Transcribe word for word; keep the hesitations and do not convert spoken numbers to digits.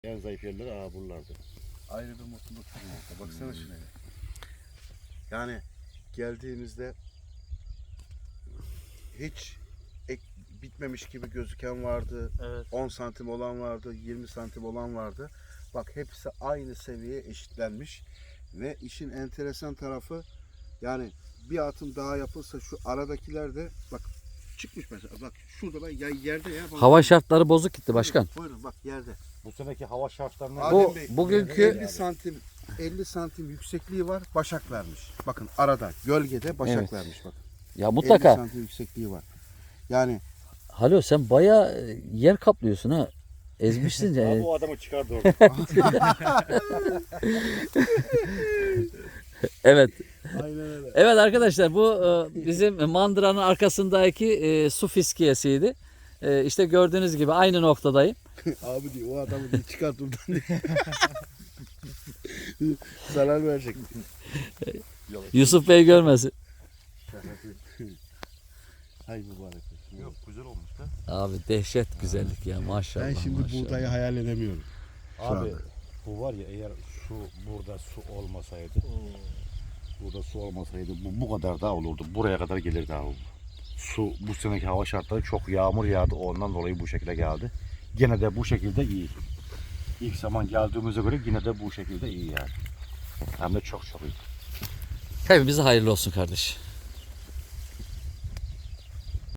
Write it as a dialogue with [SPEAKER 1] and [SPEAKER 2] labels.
[SPEAKER 1] En zayıf yerleri aha buralardı.
[SPEAKER 2] Ayrı bir mutluluk. Baksana şuna. Yani geldiğimizde hiç ek, bitmemiş gibi gözüken vardı.
[SPEAKER 3] Evet.
[SPEAKER 2] on santim olan vardı, yirmi santim olan vardı. Bak hepsi aynı seviyeye eşitlenmiş. Ve işin enteresan tarafı yani bir atım daha yapılsa şu aradakiler de bak çıkmış mesela. Bak şurada bak ya yerde ya. Bak.
[SPEAKER 4] Hava şartları bozuk gitti başkan.
[SPEAKER 2] Buyurun bak yerde.
[SPEAKER 1] Bu seneki hava şartlarına
[SPEAKER 2] Adem
[SPEAKER 4] Bu
[SPEAKER 2] Bey,
[SPEAKER 4] bugünkü
[SPEAKER 2] elli santim elli santim yüksekliği var. Başak vermiş. Bakın arada gölgede başak
[SPEAKER 4] Evet.
[SPEAKER 2] vermiş bakın.
[SPEAKER 4] ya
[SPEAKER 2] elli
[SPEAKER 4] mutlaka.
[SPEAKER 2] santim yüksekliği var. Yani
[SPEAKER 4] Halo sen bayağı yer kaplıyorsun ha. Ezmişsin
[SPEAKER 1] Abi
[SPEAKER 4] ya.
[SPEAKER 1] o adamı çıkardı orada.
[SPEAKER 4] Evet.
[SPEAKER 2] aynen öyle.
[SPEAKER 4] Evet arkadaşlar bu e, bizim mandıranın arkasındaki e, su fiskiyesiydi. E, işte gördüğünüz gibi aynı noktadayım.
[SPEAKER 2] Abi diyor o adamı diyor, çıkart buradan diyor. Zarar verecek.
[SPEAKER 4] Yusuf Bey görmesin.
[SPEAKER 2] Hay mübarek olsun.
[SPEAKER 1] Yok güzel olmuş da.
[SPEAKER 4] Abi dehşet güzellik ya maşallah.
[SPEAKER 2] Ben şimdi
[SPEAKER 4] maşallah.
[SPEAKER 2] buğdayı hayal edemiyorum. Şu
[SPEAKER 1] Abi
[SPEAKER 2] anda.
[SPEAKER 1] bu var ya eğer su burada su olmasaydı burada su olmasaydı bu bu kadar daha olurdu. Buraya kadar gelirdi abi. Su bu seneki hava şartları çok yağmur yağdı ondan dolayı bu şekilde geldi. Gene de bu şekilde iyi. İlk zaman geldiğimize göre yine de bu şekilde iyi yani. Hem de çok çok iyi.
[SPEAKER 4] Hepimize hayırlı olsun kardeş.